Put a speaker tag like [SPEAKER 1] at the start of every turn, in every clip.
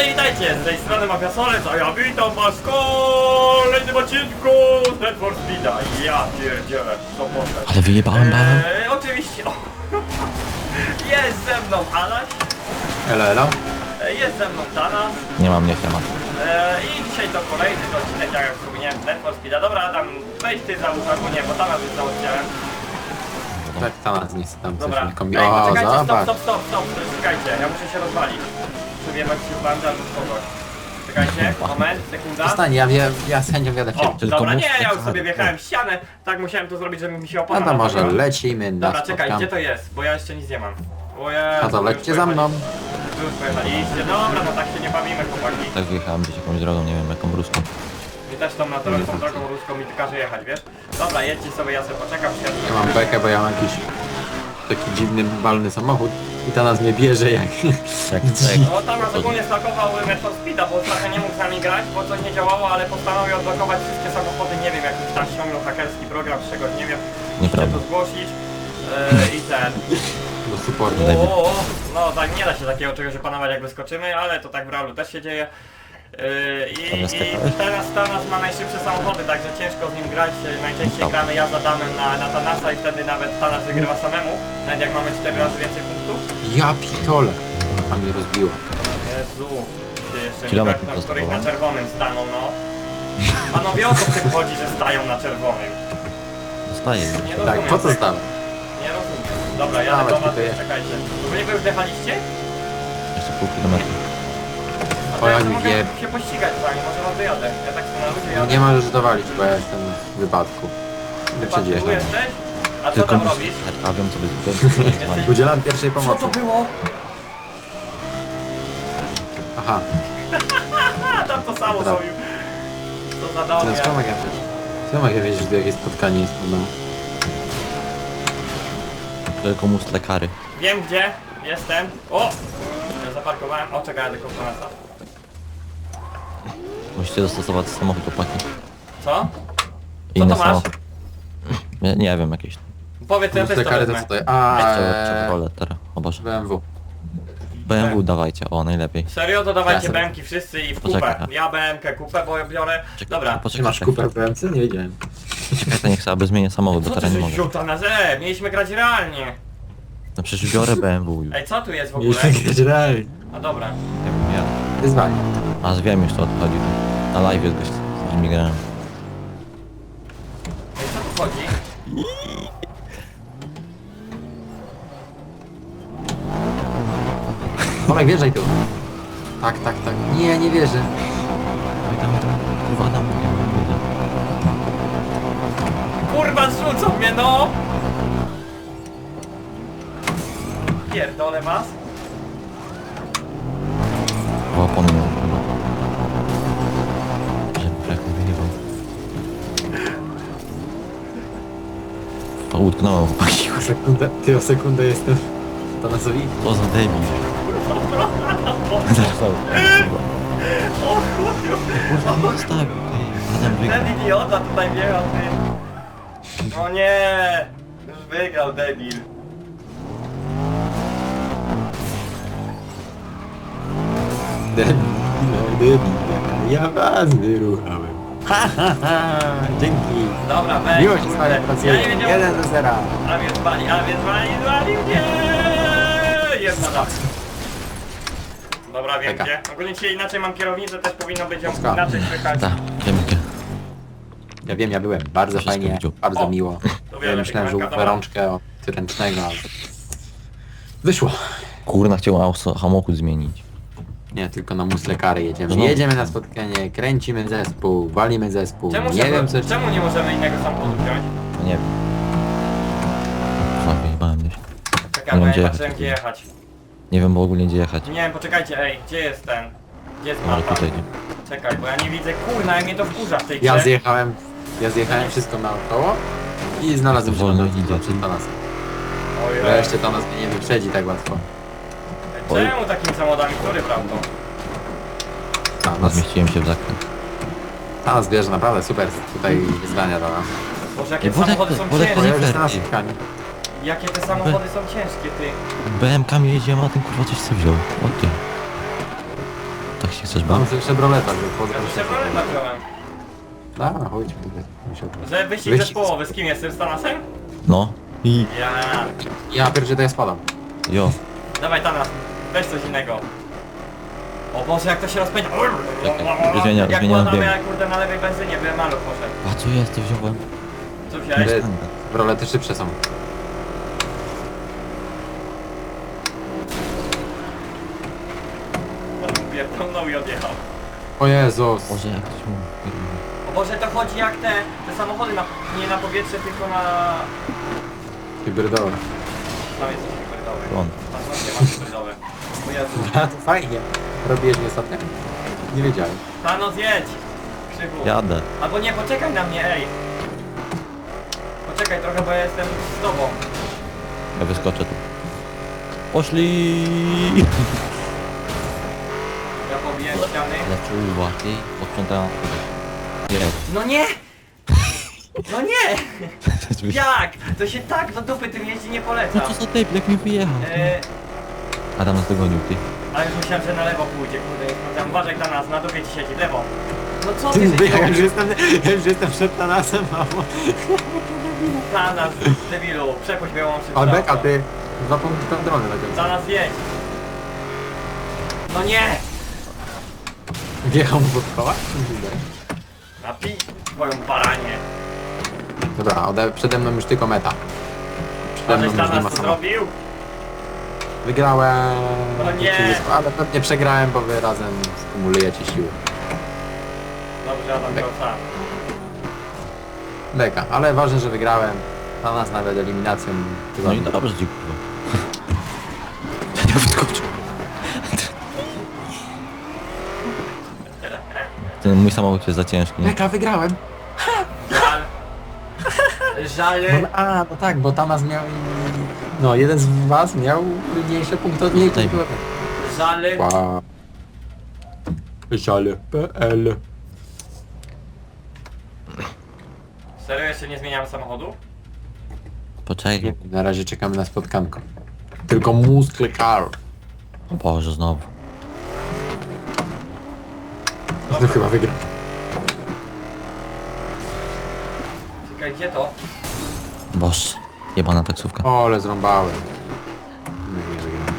[SPEAKER 1] i witajcie, z tej strony Mafia Solec, a ja witam was w kolejnym odcinku z Need for Speeda. Ja pierdzielę, co poszedł.
[SPEAKER 2] Ale wyjebałem balon.
[SPEAKER 1] Oczywiście, jest ze mną Adaś,
[SPEAKER 3] Elo, elo.
[SPEAKER 1] jest ze mną Tanas
[SPEAKER 2] Nie mam, nie temat.
[SPEAKER 1] i dzisiaj to kolejny odcinek, jak już wspomniałem, z Need for Speeda. Dobra Adam, wejdź ty za albo nie, bo Tanas jest załatwiałem.
[SPEAKER 3] Tak, Tanas nie chce tam
[SPEAKER 1] Dobra,
[SPEAKER 3] coś kombi...
[SPEAKER 1] ej,
[SPEAKER 3] O,
[SPEAKER 1] poczekajcie,
[SPEAKER 3] zobacz.
[SPEAKER 1] stop, czekajcie, ja muszę się rozwalić. Przebiegać się w bandę albo kogoś. Czekajcie, moment, sekunda.
[SPEAKER 3] Zostań, ja z chęcią wjadę w
[SPEAKER 1] O,
[SPEAKER 3] ciebie.
[SPEAKER 2] Tylko
[SPEAKER 1] dobra,
[SPEAKER 2] mów,
[SPEAKER 1] nie, ja
[SPEAKER 2] co
[SPEAKER 1] już sobie
[SPEAKER 2] za-
[SPEAKER 1] wjechałem w ścianę, tak musiałem to zrobić, żeby mi się opona
[SPEAKER 3] No to może
[SPEAKER 1] naprawiła.
[SPEAKER 3] lecimy na
[SPEAKER 1] Dobra, czekaj,
[SPEAKER 3] spotkanie.
[SPEAKER 1] gdzie to jest? Bo ja jeszcze nic nie mam. O Jezu,
[SPEAKER 3] No to
[SPEAKER 1] już
[SPEAKER 3] lećcie za mną.
[SPEAKER 1] Już pojechaliście, dobra, no tak się nie bawimy, chłopaki.
[SPEAKER 2] Tak wyjechałem gdzieś jakąś drogą, nie wiem jaką ruską.
[SPEAKER 1] Mi też tą naturalną drogą ruską mi każe jechać, wiesz? Dobra, jedźcie sobie, ja sobie poczekam, przyjadę.
[SPEAKER 3] Ja mam bekę, bo ja mam jakiś taki dziwny, balny samochód i Tanas mnie bierze jak...
[SPEAKER 2] Jak
[SPEAKER 1] No tam nas ogólnie stakował Need for Speeda, bo trochę nie mógł z nami grać, bo coś nie działało, ale postanowił odblokować wszystkie samochody, nie wiem, jakiś tam ściągnął hakerski program, z czego nie wiem. Musicie
[SPEAKER 2] Nieprawda.
[SPEAKER 1] to zgłosić i ten.
[SPEAKER 3] do supportu.
[SPEAKER 1] No tak, nie da się takiego czegoś opanować jak wyskoczymy, ale to tak w realu też się dzieje. I teraz ma najszybsze samochody, także ciężko z nim grać. Najczęściej gramy ja za Danem na Tanasa i wtedy nawet Tanas wygrywa samemu. Nawet jak mamy 4 razy więcej punktów.
[SPEAKER 3] Ja pitole. A mnie rozbiło.
[SPEAKER 1] Jezu, ty jeszcze
[SPEAKER 2] Kilometr
[SPEAKER 1] nie tak, na
[SPEAKER 2] prosto
[SPEAKER 1] których
[SPEAKER 2] było.
[SPEAKER 1] na czerwonym staną, no. Panowie, o co w tym chodzi, że stają na czerwonym?
[SPEAKER 2] Zostaje.
[SPEAKER 1] Nie
[SPEAKER 3] Tak,
[SPEAKER 1] rozumiem
[SPEAKER 3] po co
[SPEAKER 1] tego.
[SPEAKER 3] stał?
[SPEAKER 1] Nie rozumiem. Dobra, jadę
[SPEAKER 3] Dawaj,
[SPEAKER 1] do was,
[SPEAKER 3] tutaj.
[SPEAKER 1] czekajcie. Wy już wjechaliście?
[SPEAKER 2] Jeszcze pół kilometra.
[SPEAKER 1] A to
[SPEAKER 3] O,
[SPEAKER 1] ja
[SPEAKER 3] jak
[SPEAKER 1] sobie mogę
[SPEAKER 3] wie-
[SPEAKER 1] się pościgać z wami, może was wyjadę. Ja tak sobie na ludzie
[SPEAKER 3] No
[SPEAKER 1] jadę.
[SPEAKER 3] nie możesz dowalić, bo ja jestem w wypadku. Wyprzedziłeś
[SPEAKER 1] Tu
[SPEAKER 3] mnie.
[SPEAKER 1] jesteś? A co
[SPEAKER 2] Tylko
[SPEAKER 1] tam
[SPEAKER 2] mus-
[SPEAKER 1] robisz?
[SPEAKER 2] A wiem co by zrobić.
[SPEAKER 3] Udzielam pierwszej
[SPEAKER 1] Co
[SPEAKER 3] pomocy.
[SPEAKER 1] to było?
[SPEAKER 3] Aha,
[SPEAKER 1] A, tam to samo
[SPEAKER 3] Dobra.
[SPEAKER 1] zrobił. Co za
[SPEAKER 3] teraz
[SPEAKER 1] dobre.
[SPEAKER 3] co mogę wiedzieć? Co mogę wiedzieć, że jakieś spotkanie jest no.
[SPEAKER 2] Tylko mus lekary.
[SPEAKER 1] Wiem gdzie, jestem. O! Ja zaparkowałem. O, czekaj, tylko Tanasa.
[SPEAKER 2] Musicie dostosować samochód opłaki.
[SPEAKER 1] Co?
[SPEAKER 2] Inny
[SPEAKER 1] to masz?
[SPEAKER 2] samochód. Nie wiem, jakieś.
[SPEAKER 1] Powiedz, ja też to
[SPEAKER 3] Kary to
[SPEAKER 1] wezmę.
[SPEAKER 3] co to? A,
[SPEAKER 2] Chevrolet teraz. O Boże.
[SPEAKER 3] BMW.
[SPEAKER 2] BMW dawajcie, o najlepiej.
[SPEAKER 1] Serio, to dawajcie
[SPEAKER 3] Ja sobie-
[SPEAKER 1] BM-ki wszyscy i w kupę.
[SPEAKER 2] Poczekaj.
[SPEAKER 1] Ja BM-kę kupę, bo ja biorę. Dobra.
[SPEAKER 3] Czy masz kupę w BMC? Nie wiedziałem.
[SPEAKER 2] Czekaj, to niech sobie aby zmienię samochód, bo
[SPEAKER 1] Co ty
[SPEAKER 2] teraz nie
[SPEAKER 1] żeś
[SPEAKER 2] mogę.
[SPEAKER 1] wziął Tanasa? Mieliśmy grać realnie.
[SPEAKER 2] No przecież biorę BMW już.
[SPEAKER 1] Ej, co tu jest w ogóle?
[SPEAKER 3] Mieliśmy grać realnie.
[SPEAKER 1] A dobra.
[SPEAKER 2] Nie wiem, ja.
[SPEAKER 3] Wyzwanie.
[SPEAKER 2] A wiem już to odchodzi. Na live jest gość, z nimi grałem.
[SPEAKER 1] Ej, co tu chodzi?
[SPEAKER 3] Tomek, wjeżdżaj tu. Tak, tak, tak. Nie, nie wierzę.
[SPEAKER 2] Oj, tam, kurwa, tam.
[SPEAKER 1] Kurwa, zrzucą mnie, no! Pierdolę was.
[SPEAKER 2] O, pomylił chyba. Że brak mi wyjebał. O, utknąłem, chłopaki.
[SPEAKER 3] O sekundę jestem. Tanasowi.
[SPEAKER 2] Co za debil.
[SPEAKER 1] O chuju!
[SPEAKER 2] Kurwa, nie stawił, ty. Adam wygrał.
[SPEAKER 1] Ten idiota tutaj wjechał, ty. O nie! Już wygrał, debil.
[SPEAKER 3] Debil, no debil. Ja was wyruchałem. Ha, ha, ha. Dzięki.
[SPEAKER 1] Dobra, weź.
[SPEAKER 3] Miło się z
[SPEAKER 1] kurde.
[SPEAKER 3] wami
[SPEAKER 1] Ja
[SPEAKER 3] pracuje.
[SPEAKER 1] nie wiedziałem.
[SPEAKER 3] 1-0.
[SPEAKER 1] A więc wali mnie! Jest na dach. Dobra, wiem
[SPEAKER 3] Czeka.
[SPEAKER 1] gdzie. Ogólnie dzisiaj inaczej mam kierownicę, też powinno być ją
[SPEAKER 3] Polska.
[SPEAKER 1] inaczej słychać.
[SPEAKER 2] Tak, dzięki.
[SPEAKER 3] Ja wiem, ja byłem. Bardzo
[SPEAKER 2] Wszystko
[SPEAKER 3] fajnie,
[SPEAKER 2] widział.
[SPEAKER 3] bardzo
[SPEAKER 1] O,
[SPEAKER 3] miło.
[SPEAKER 1] to
[SPEAKER 3] Ja
[SPEAKER 1] wiele
[SPEAKER 3] myślałem, że
[SPEAKER 1] pięknego,
[SPEAKER 3] upę
[SPEAKER 1] dobra.
[SPEAKER 3] rączkę od ręcznego, ale... Wyszło.
[SPEAKER 2] Kurna, chciał samochód zmienić.
[SPEAKER 3] Nie, tylko na musle kary jedziemy.
[SPEAKER 2] Znowu.
[SPEAKER 3] Jedziemy na spotkanie, kręcimy zespół, walimy zespół. Nie wiem co...
[SPEAKER 1] Czemu nie możemy innego samochodu wziąć?
[SPEAKER 2] No nie wiem. Kurwa, wyjebałem gdzieś.
[SPEAKER 1] Czekaj, bo
[SPEAKER 2] Nie
[SPEAKER 1] ja
[SPEAKER 2] wiem,
[SPEAKER 1] nie
[SPEAKER 2] gdzie
[SPEAKER 1] patrzyłem
[SPEAKER 2] jechać.
[SPEAKER 1] gdzie jechać.
[SPEAKER 2] Nie wiem w ogóle gdzie jechać.
[SPEAKER 1] Nie wiem, poczekajcie, ej, gdzie jest ten? Gdzie jest
[SPEAKER 2] Może
[SPEAKER 1] mapa?
[SPEAKER 2] tutaj nie.
[SPEAKER 1] Czekaj, bo ja nie widzę, kurna, jak mnie to wkurza w tej
[SPEAKER 3] Ja
[SPEAKER 1] grze.
[SPEAKER 3] zjechałem wszystko naokoło i znalazłem się
[SPEAKER 2] Wolno
[SPEAKER 3] na
[SPEAKER 2] idzie.
[SPEAKER 3] drodze przed Tanasem.
[SPEAKER 1] Ojej.
[SPEAKER 3] Wreszcie Tanas mnie nie wyprzedzi tak łatwo.
[SPEAKER 1] Czemu takimi samochodami, który prawdą?
[SPEAKER 2] Zmieściłem się w zakręt.
[SPEAKER 3] Tanas bierze naprawdę super tutaj wyzwania dla nas.
[SPEAKER 1] Boże, jakie
[SPEAKER 2] Ej, Wodek-
[SPEAKER 1] samochody są
[SPEAKER 2] Wodek-
[SPEAKER 3] Bo
[SPEAKER 1] ciężkie.
[SPEAKER 3] ja już jestem na
[SPEAKER 2] Ty.
[SPEAKER 3] spotkaniu.
[SPEAKER 1] Jakie te samochody są ciężkie, ty.
[SPEAKER 2] BMK-mi jedziemy, a ten kurwa coś co wziął. O ty. Tak Jeśli chcesz
[SPEAKER 3] Mam
[SPEAKER 2] bawić.
[SPEAKER 3] sobie Chevroleta, że wchodzę.
[SPEAKER 1] Ja tu Chevroleta wziąłem.
[SPEAKER 3] Dobra, chodź.
[SPEAKER 1] Że wyścig
[SPEAKER 3] Wyścig.
[SPEAKER 1] zespołowy, z kim jestem? Z Tanasem?
[SPEAKER 2] No. I...
[SPEAKER 1] Ja.
[SPEAKER 3] Ja pierdzie to ja spadam.
[SPEAKER 2] Jo.
[SPEAKER 1] Dawaj Tanas, weź coś innego. O Boże, jak to się rozpędza.
[SPEAKER 2] Czekaj, zmieniam
[SPEAKER 1] Jak
[SPEAKER 2] bieg.
[SPEAKER 1] ładamy, jak kurde na lewej benzynie, byłem maluch poszedł.
[SPEAKER 2] A co jest? To wziąłem.
[SPEAKER 1] Co wziąłeś?
[SPEAKER 3] Wy- Chevrolety szybsze są.
[SPEAKER 1] Pierdolnął i odjechał.
[SPEAKER 3] O Jezus.
[SPEAKER 2] Boże, jak ktoś mu...
[SPEAKER 1] O Boże, to chodzi jak te samochody, nie na powietrze, tylko na...
[SPEAKER 3] Hybrydowe.
[SPEAKER 1] Tam jest coś hybrydowy.
[SPEAKER 2] On.
[SPEAKER 1] Tam właśnie ma hybrydowe. O Jezu.
[SPEAKER 3] A to fajnie. Robiłeś mi ostatnio? Nie wiedziałem.
[SPEAKER 1] Thanos, jedź! Krzywu.
[SPEAKER 2] Jadę.
[SPEAKER 1] Albo nie, poczekaj na mnie, ej! Poczekaj trochę, bo ja jestem z tobą.
[SPEAKER 2] Ja wyskoczę tu. Poszli!
[SPEAKER 1] Ja pobiję ściany.
[SPEAKER 2] Ale czuła, ty posprzątałem. Jest.
[SPEAKER 1] No nie! No nie! Jak? To się tak do dupy tym jeździ nie
[SPEAKER 2] No
[SPEAKER 1] polecam.
[SPEAKER 2] co za typ, jak mi wyjechał? Adam nas dogonił, ty.
[SPEAKER 1] Ale już myślałem, że na lewo pójdzie, kurde, nie sprawdzam. Uważaj na nas, na dupie ci siedzi, lewo. No co
[SPEAKER 3] Ty,
[SPEAKER 1] ty,
[SPEAKER 3] ja już jestem przed Tanasem, mamo.
[SPEAKER 1] Za nas, debilu, przepuść białą szybko.
[SPEAKER 3] Ale beka, ty. 2 punkty kontrolne na końcu.
[SPEAKER 1] Za nas jedź. No nie!
[SPEAKER 3] Wjechał mu pod koła? Czy mi się wydaje?
[SPEAKER 1] Napij twoją baranie.
[SPEAKER 3] Dobra, przede mną już tylko meta. Przede
[SPEAKER 1] A
[SPEAKER 3] mną
[SPEAKER 1] żeś
[SPEAKER 3] już
[SPEAKER 1] dla
[SPEAKER 3] nie ma
[SPEAKER 1] nas to
[SPEAKER 3] samochodu.
[SPEAKER 1] zrobił?
[SPEAKER 3] Wygrałem.
[SPEAKER 1] O nie.
[SPEAKER 3] Ale pewnie przegrałem, bo wy razem skumulujecie siły.
[SPEAKER 1] Dobrze, Adam grał sam.
[SPEAKER 3] Beka, ale ważne, że wygrałem. Na nas nawet eliminacją.
[SPEAKER 2] No i dobrze, dziękuję. Ja wyskoczył. Ten mój samochód jest za ciężki, nie?
[SPEAKER 3] Beka, wygrałem.
[SPEAKER 1] Żal. Żal.
[SPEAKER 3] No tak, bo Tanas miał... No, jeden z was miał mniejsze punkty od niej.
[SPEAKER 2] Daj mi.
[SPEAKER 1] Żal.
[SPEAKER 3] Wow. Żale.pl.
[SPEAKER 1] Serio, jeszcze nie zmieniamy samochodu?
[SPEAKER 2] Poczekaj.
[SPEAKER 3] Na razie czekamy na spotkanko. Tylko muscle car.
[SPEAKER 2] O Boże, znowu.
[SPEAKER 3] To chyba wygra.
[SPEAKER 1] Czekaj, gdzie to?
[SPEAKER 2] Boże. Jebana taksówka.
[SPEAKER 3] O, ale zrąbałem. Nie wygram.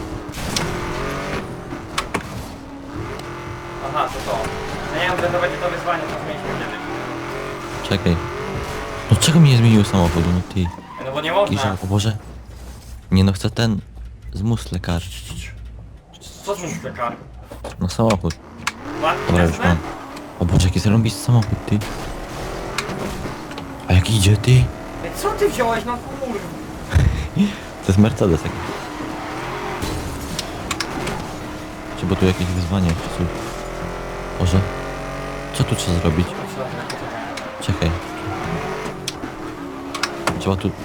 [SPEAKER 1] Aha, to. No nie wiem, że to będzie to wyzwanie, co zmieniliśmy kiedyś.
[SPEAKER 2] Czekaj. No czego mi nie zmienił samochodu? No ty.
[SPEAKER 1] No bo nie
[SPEAKER 2] Jakiś
[SPEAKER 1] można.
[SPEAKER 2] żal. O Boże. Nie no, chcę ten... z musle kar.
[SPEAKER 1] Co z nim kar?
[SPEAKER 2] No samochód.
[SPEAKER 1] Łatwiej
[SPEAKER 2] Dobra, już mam. O Boże, jaki zarąbisty samochód, ty. A jak idzie, ty?
[SPEAKER 1] Co ty wziąłeś? No kur...
[SPEAKER 2] To jest Mercedes jakiś. Czy bo tu jakieś wyzwanie, czy coś. Boże. Co tu trzeba zrobić? Czekaj. Trzeba tu...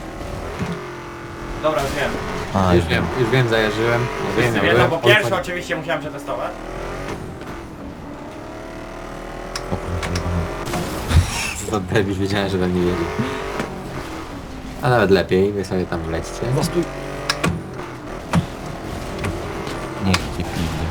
[SPEAKER 1] Dobra, już wiem.
[SPEAKER 2] A,
[SPEAKER 3] Już wiem, zajarzyłem. Ja
[SPEAKER 1] Wszyscy
[SPEAKER 3] ja
[SPEAKER 1] wiedzą,
[SPEAKER 3] byłem
[SPEAKER 1] bo
[SPEAKER 3] w
[SPEAKER 1] pierwszy
[SPEAKER 3] Polsce.
[SPEAKER 1] oczywiście musiałem przetestować.
[SPEAKER 2] O kurde,
[SPEAKER 3] To debil, wiedziałem, że we mnie jedzie. A nawet lepiej, wy sobie tam wlećcie.
[SPEAKER 2] Stój. Niech cię pije.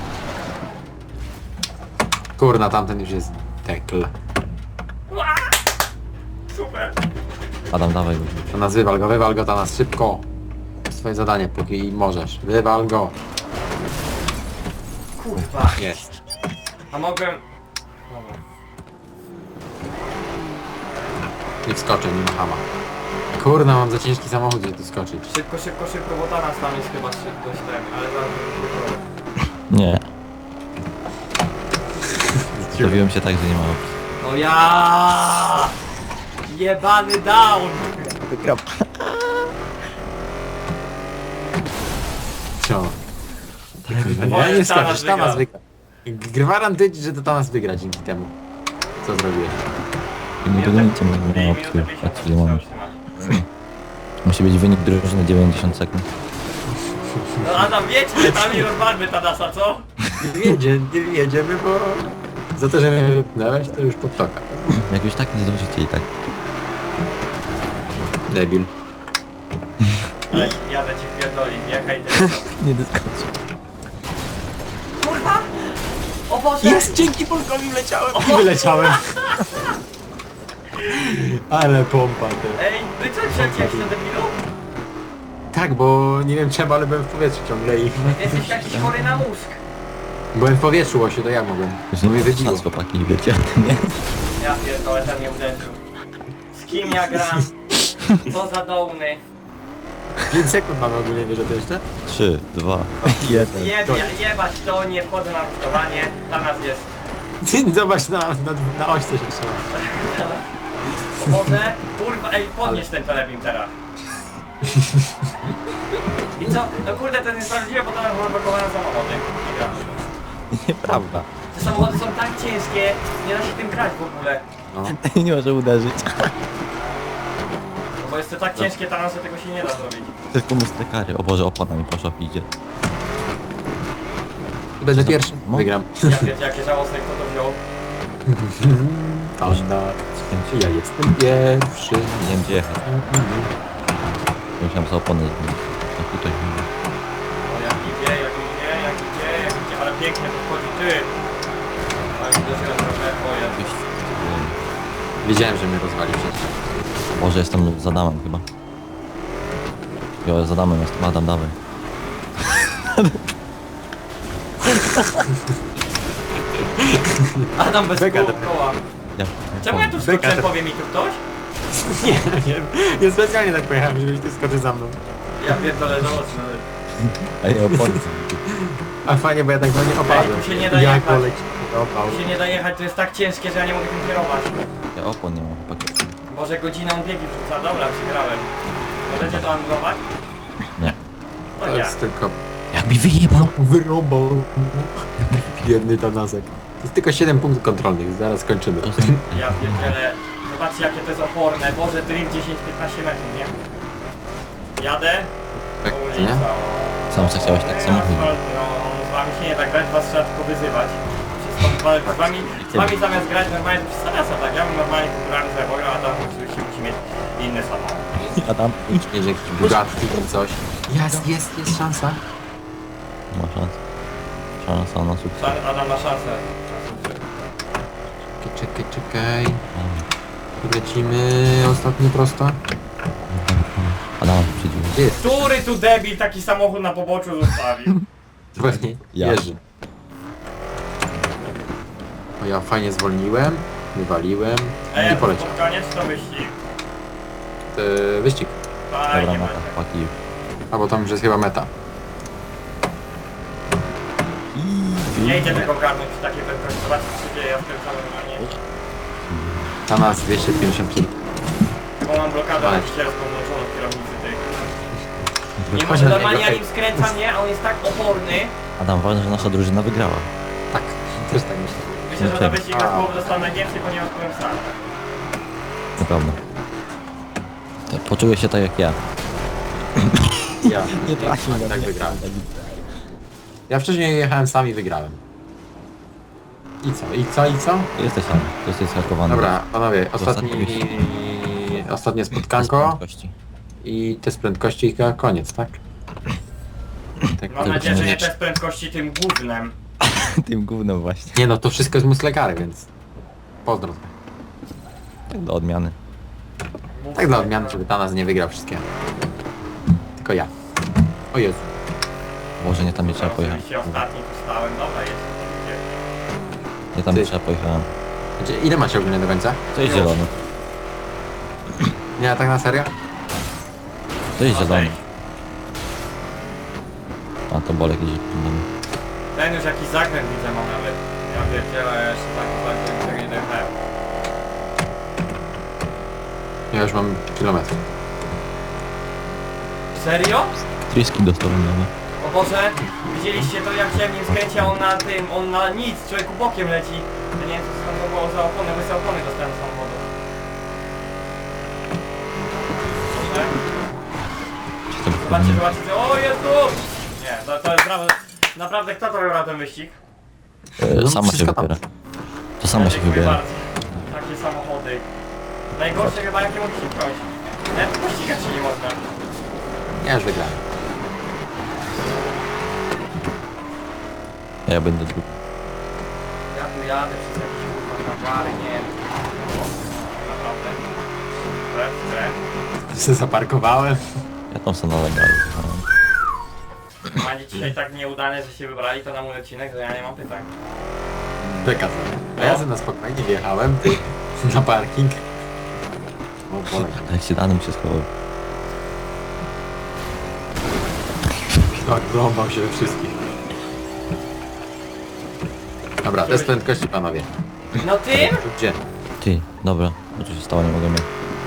[SPEAKER 3] Kurna, tamten już jest tekl.
[SPEAKER 1] Ła! Super.
[SPEAKER 2] Adam, dawaj go.
[SPEAKER 3] To nas wywal go, to nas szybko. Swoje zadanie, póki możesz. Wywal go.
[SPEAKER 1] Kurwa.
[SPEAKER 3] Jest.
[SPEAKER 1] A mogłem... Dobra.
[SPEAKER 3] Nie wskoczę, nie ma hama. Kurna, mam za ciężki samochód, żeby tu skoczyć.
[SPEAKER 1] Szybko, szybko, szybko, bo Tanas tam jest chyba dość ten, ale zaraz...
[SPEAKER 2] Nie. Ustawiłem się tak, że nie ma opcji.
[SPEAKER 1] No ja! Jebany down!
[SPEAKER 2] Wygrał.
[SPEAKER 3] Co?
[SPEAKER 1] Wolę
[SPEAKER 3] Ja nie
[SPEAKER 1] Tanas
[SPEAKER 3] skoczysz, Tanas wygra. Gwarantuję ci, że to Tanas wygra dzięki temu. Co zrobiłeś?
[SPEAKER 2] I nie dogonicie mnie, nie ma opcji. Tak chwilę moment. Musi być wynik drużyny 90 sekund.
[SPEAKER 1] No Adam, wiecie, tam i rozwalmy Tanasa, co?
[SPEAKER 3] Nie jedziemy, bo... Za to, że mnie wypnąłeś, to już podtoka.
[SPEAKER 2] Jak już tak nie zdążycie i tak.
[SPEAKER 3] Debil.
[SPEAKER 1] Ale jadę ci wpierdoli, jechaj ty.
[SPEAKER 2] Nie dyskocz.
[SPEAKER 1] Kurwa! O Boże!
[SPEAKER 3] Jest! Dzięki Polkowi wleciałem! I wyleciałem. Ale pompa ty.
[SPEAKER 1] Ej, wy co przecięłeś na debilu?
[SPEAKER 3] Tak, bo nie wiem czemu, ale byłem w powietrzu ciągle i...
[SPEAKER 1] Jesteś jakiś chory na mózg.
[SPEAKER 3] Byłem w powietrzu, Łosiu, to ja mogłem.
[SPEAKER 2] Już
[SPEAKER 3] No
[SPEAKER 2] nie
[SPEAKER 3] i
[SPEAKER 2] wiem,
[SPEAKER 3] wybiło.
[SPEAKER 2] szans chłopaki, wiecie, nie?
[SPEAKER 1] Ja pierdolę, ten mnie uderzył. Z kim ja gram? Co za dołny.
[SPEAKER 3] 5 sekund mamy ogólnie, wiesz o to jeszcze?
[SPEAKER 2] 3, 2, 1.
[SPEAKER 1] Jebać to, nie wchodzę na rusztowanie. Dla nas jest.
[SPEAKER 3] Zobacz na oś co się trzyma.
[SPEAKER 1] O Boże, kurwa, ej, podnieś ten telebim teraz. I co? No kurde, to jest niesprawiedliwe, bo to mam zablokowane samochody. Nie gram.
[SPEAKER 2] Nieprawda.
[SPEAKER 1] Te samochody są tak ciężkie, nie da się tym grać w ogóle.
[SPEAKER 3] No.
[SPEAKER 2] Nie może uderzyć.
[SPEAKER 1] No bo jest to tak ciężkie, tam że tego się nie da zrobić.
[SPEAKER 2] Tylko mu kary. O Boże, opona mi poszła, idzie.
[SPEAKER 3] Będę pierwszy.
[SPEAKER 2] No.
[SPEAKER 3] Wygram.
[SPEAKER 1] Ja wiecie, jakie żałosne, kto to wziął.
[SPEAKER 3] Ja jestem pierwszy.
[SPEAKER 2] Nie wiem gdzie jechać. Musiałem sobie oponę zmienić. No tutaj.
[SPEAKER 1] O, jak idzie, ale pięknie to wchodzi, ty. Ale uderzyłem trochę, o Jezu.
[SPEAKER 3] Wiedziałem, że mnie rozwali przecież.
[SPEAKER 2] Boże, jestem z Adamem chyba. Jo, z Adamem jestem. Adam, dawaj.
[SPEAKER 1] Adam bez
[SPEAKER 3] Beka,
[SPEAKER 1] koła.
[SPEAKER 2] Ja.
[SPEAKER 1] Czemu ja tu skoczyłem, powie mi tu ktoś?
[SPEAKER 3] Nie specjalnie tak pojechałem, żebyś ty skoczył za mną.
[SPEAKER 1] Ja pierdolę żałosne.
[SPEAKER 2] A nie, opony.
[SPEAKER 3] A fajnie, bo ja tak do nie opadłem.
[SPEAKER 1] tu się nie da
[SPEAKER 3] Jak
[SPEAKER 1] jechać.
[SPEAKER 3] oleć opał.
[SPEAKER 1] Tu się nie da jechać, to jest tak ciężkie, że ja nie mogę tym kierować.
[SPEAKER 2] Ja opon nie mam, chłopaki.
[SPEAKER 1] Boże, godzinę on biegi wrzuca, dobra, przegrałem. Możecie to anulować?
[SPEAKER 2] Nie.
[SPEAKER 1] No
[SPEAKER 3] To
[SPEAKER 1] nie.
[SPEAKER 3] jest tylko
[SPEAKER 2] Jak mi wyjebał.
[SPEAKER 3] wyrąbał. Biedny Tanasek. To jest tylko 7 punktów kontrolnych, zaraz kończymy.
[SPEAKER 2] To są...
[SPEAKER 1] Ja pierdzielę. Zobaczcie jakie to jest oporne. Boże, drift 10-15 metrów, nie? Jadę.
[SPEAKER 3] Tak,
[SPEAKER 1] Ulica.
[SPEAKER 3] nie?
[SPEAKER 2] Sam co chciałeś tak samo
[SPEAKER 1] Asfalt, no, z wami się nie tak grać, was trzeba tylko wyzywać. Wszystko, z wami zamiast grać normalnie to przez tak? Ja bym normalnie kulturalny sobie pograł, a tam oczywiście musi mieć inny samochód.
[SPEAKER 2] Adam.
[SPEAKER 3] Jedzie jakiś Bugatti czy coś. Jest szansa.
[SPEAKER 2] Ma szansę. Szansa na sukces.
[SPEAKER 1] Adam ma szansę.
[SPEAKER 3] Czekaj. Lecimy ostatni prosto.
[SPEAKER 2] Adam przyjdzie.
[SPEAKER 3] Gdzie jest?
[SPEAKER 1] Który tu debil taki samochód na poboczu zostawił?
[SPEAKER 3] Pewnie
[SPEAKER 2] Ja.
[SPEAKER 3] Jerzy. O, ja fajnie zwolniłem, wywaliłem
[SPEAKER 1] Ej,
[SPEAKER 3] i poleciał.
[SPEAKER 1] koniec to wyścig.
[SPEAKER 3] Wyścig.
[SPEAKER 1] Fajnie
[SPEAKER 2] Dobra,
[SPEAKER 1] będzie.
[SPEAKER 2] mata, chłopaki.
[SPEAKER 3] A bo tam już jest chyba meta.
[SPEAKER 1] Nie idzie tego ogarnąć przy takiej prędkości. Zobaczcie co się dzieje, ja skręcam normalnie.
[SPEAKER 3] Ta nas 250 km.
[SPEAKER 1] Bo mam blokadę
[SPEAKER 3] Ale-
[SPEAKER 1] ścieżką włączoną w kierownicy tej. Nie
[SPEAKER 3] Chodź
[SPEAKER 1] może
[SPEAKER 3] na
[SPEAKER 1] normalnie
[SPEAKER 3] niego.
[SPEAKER 1] ja nim skręcam, nie? A on jest tak oporny.
[SPEAKER 2] Adam, ważne, że nasza drużyna wygrała.
[SPEAKER 3] Tak, też tak myślę.
[SPEAKER 1] Myślę, że na
[SPEAKER 2] Dlaczego?
[SPEAKER 1] wyścigach połowę dostał najwięcej, ponieważ byłem sam.
[SPEAKER 2] Naprawdę. To poczuję się tak jak ja.
[SPEAKER 3] Ja tak wygrałem. Ja wcześniej jechałem sam i wygrałem. I co?
[SPEAKER 2] Jesteś sam. To jesteś hakowany.
[SPEAKER 3] Dobra, panowie,
[SPEAKER 2] Ostatni
[SPEAKER 3] ostatnie
[SPEAKER 2] Bez
[SPEAKER 3] spotkanko
[SPEAKER 2] prędkości.
[SPEAKER 3] i test prędkości i chyba koniec, tak? Tak,
[SPEAKER 1] Mam
[SPEAKER 3] to
[SPEAKER 1] nadzieję, że nie
[SPEAKER 3] będzie-
[SPEAKER 1] też prędkości tym gównem.
[SPEAKER 2] Tym gównem właśnie.
[SPEAKER 3] Nie no, to wszystko jest muslekary, więc pozdro.
[SPEAKER 2] Tak do odmiany.
[SPEAKER 3] Tak dla odmiany, żeby Tanas nie wygrał wszystkiego. Tylko ja. O Jezu.
[SPEAKER 2] Może nie tam nie trzeba pojechać.
[SPEAKER 1] Oczywiście ostatni tu stałem, dobra jest.
[SPEAKER 2] Nie tam
[SPEAKER 3] Ty.
[SPEAKER 2] nie trzeba pojechałem.
[SPEAKER 3] Ile macie ogólnie do końca?
[SPEAKER 2] To jest zielony.
[SPEAKER 3] Nie, tak na serio?
[SPEAKER 2] To jest zielony.
[SPEAKER 1] Okej.
[SPEAKER 2] A to Bolek jedzie.
[SPEAKER 1] Ten już jakiś zakręt widzę ma nawet. Ja pierdzielę, ja jeszcze tak zakręt tego nie dojechałem.
[SPEAKER 3] Ja już mam kilometr.
[SPEAKER 1] Serio?
[SPEAKER 2] Tryski dostał nowe.
[SPEAKER 1] O Boże, widzieliście to jak się nim skręci, a on na nic, człowieku bokiem leci. Ja nie wiem co tam było za opony, bo za opony dostałem z samochodu. Proszę.
[SPEAKER 2] Czy to
[SPEAKER 1] Zobaczcie, zobaczcie, o Jezu! Nie, to jest naprawdę kto to wybrał ten wyścig?
[SPEAKER 3] No,
[SPEAKER 2] Sama się
[SPEAKER 3] wszystko tam.
[SPEAKER 2] wybiera. To sama się
[SPEAKER 1] Dziękuję
[SPEAKER 2] wybiera.
[SPEAKER 1] bardzo. Takie samochody. Najgorsze chyba jakie mogę się wziąć. Nawet pościgać się nie można.
[SPEAKER 3] Ja już wygrałem.
[SPEAKER 2] Ja będę drugi.
[SPEAKER 1] jadę przez jakiś kurwa nawary, nie wiem. Naprawdę.
[SPEAKER 3] Se zaparkowałem.
[SPEAKER 2] Ja tam sobie nalegałem.
[SPEAKER 1] Macie dzisiaj tak nieudane, że się wybrali to na mój odcinek, że ja nie mam pytań.
[SPEAKER 3] Przekaz. A ja sobie na spokojnie wjechałem na parking. O Boże.
[SPEAKER 2] Jak się danym się schował.
[SPEAKER 3] Tak, wrąbał się we wszystkich. Dobra, test prędkości panowie.
[SPEAKER 1] No tym?
[SPEAKER 3] Gdzie?
[SPEAKER 2] Ty, dobra, co tu się stało, nie mogę mieć.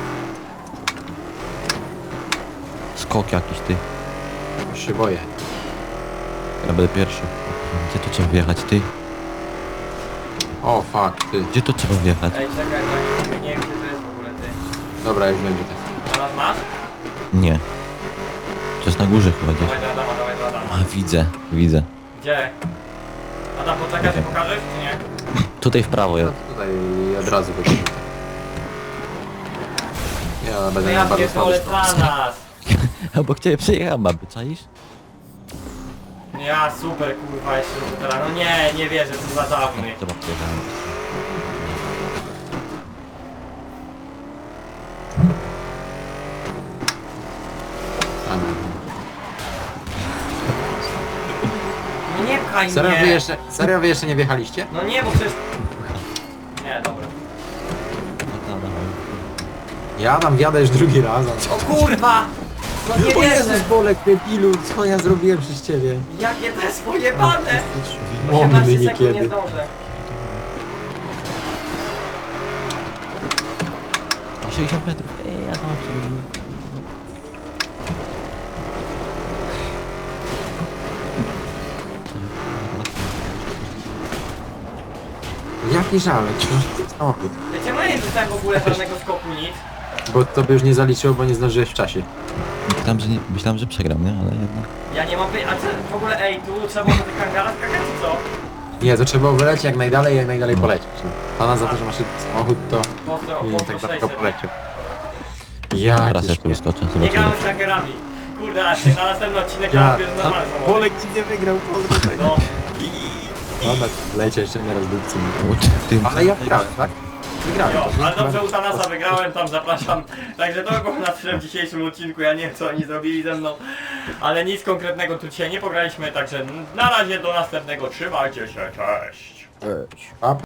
[SPEAKER 2] Skok jakiś, ty.
[SPEAKER 3] Już się boję.
[SPEAKER 2] Ja będę pierwszy. Gdzie tu trzeba wjechać, ty?
[SPEAKER 3] O fuck, ty.
[SPEAKER 2] Gdzie tu trzeba wjechać?
[SPEAKER 1] Ej, czekaj, tak, nie wiem gdzie to jest w ogóle ty.
[SPEAKER 3] Dobra, już będzie test.
[SPEAKER 1] Teraz masz?
[SPEAKER 2] Nie. To jest na górze chyba gdzieś.
[SPEAKER 1] Dawaj do Adama, dawaj do Adama.
[SPEAKER 2] A, widzę, widzę.
[SPEAKER 1] Gdzie? Adam, poczekaj, że pokażesz, czy nie?
[SPEAKER 2] Tutaj w prawo
[SPEAKER 3] No
[SPEAKER 2] jest.
[SPEAKER 3] to tutaj od razu będzie. Ja
[SPEAKER 1] No
[SPEAKER 3] będę
[SPEAKER 1] ja
[SPEAKER 3] miał bardzo słaby
[SPEAKER 1] pierdolę
[SPEAKER 3] skok.
[SPEAKER 1] dla nas.
[SPEAKER 2] Obok ciebie przejechałem, baby, czaisz?
[SPEAKER 1] Ja super kurwa jeszcze teraz. No nie wierzę, co za dawny.
[SPEAKER 2] Chyba przejechałem.
[SPEAKER 1] No nie pchaj
[SPEAKER 3] Serio wy jeszcze nie wjechaliście?
[SPEAKER 1] No nie, bo przecież... Nie, dobra.
[SPEAKER 3] Ja tam wjadę już drugi raz.
[SPEAKER 1] O kurwa! No nie
[SPEAKER 3] O
[SPEAKER 1] wierzę!
[SPEAKER 3] Jezus, Bolek, debilu, co ja zrobiłem przez ciebie?
[SPEAKER 1] Jakie to jest pojebane!
[SPEAKER 3] Mądry
[SPEAKER 1] 18 sekund nie
[SPEAKER 3] niekiedy.
[SPEAKER 1] zdążę.
[SPEAKER 2] 60 metrów. Ej, ja tam
[SPEAKER 3] Jaki żalek, samochód.
[SPEAKER 1] Wiecie, no nie dostałem w ogóle żadnego skoku, nic.
[SPEAKER 3] Bo to by już nie zaliczyło, bo nie zdążyłeś w czasie.
[SPEAKER 2] Myślałem, że przegram, nie? Ale jednak...
[SPEAKER 1] Ja nie mam a co w ogóle, ej, tu trzeba było do tych kangara skakać, czy co?
[SPEAKER 3] Nie, to trzeba było wylecieć jak najdalej polecieć. Pana za to, że masz samochód, to
[SPEAKER 1] Po
[SPEAKER 3] tak
[SPEAKER 1] 600.
[SPEAKER 3] daleko poleciał. Ja
[SPEAKER 2] Teraz ja tu wyskoczę,
[SPEAKER 1] Nie
[SPEAKER 2] zobaczymy.
[SPEAKER 1] grałem z kangarami. Kurde, a ty na następny odcinek ja bierz normalny samochód.
[SPEAKER 3] Bolek ci nie wygrał, Bolek.
[SPEAKER 1] No,
[SPEAKER 3] Dobra, lecie jeszcze nie raz dupcy.
[SPEAKER 2] Tym
[SPEAKER 3] Ale ja wygrałem, tak? Wygrałem.
[SPEAKER 1] jo,
[SPEAKER 3] to
[SPEAKER 1] ale dobrze
[SPEAKER 3] chyba-
[SPEAKER 1] u Thanasa wygrałem, tam zapraszam. Także to było na tyle w dzisiejszym odcinku, ja nie wiem co oni zrobili ze mną. Ale nic konkretnego tu dzisiaj nie pograliśmy, także na razie do następnego, trzymajcie się, cześć.
[SPEAKER 3] Pa,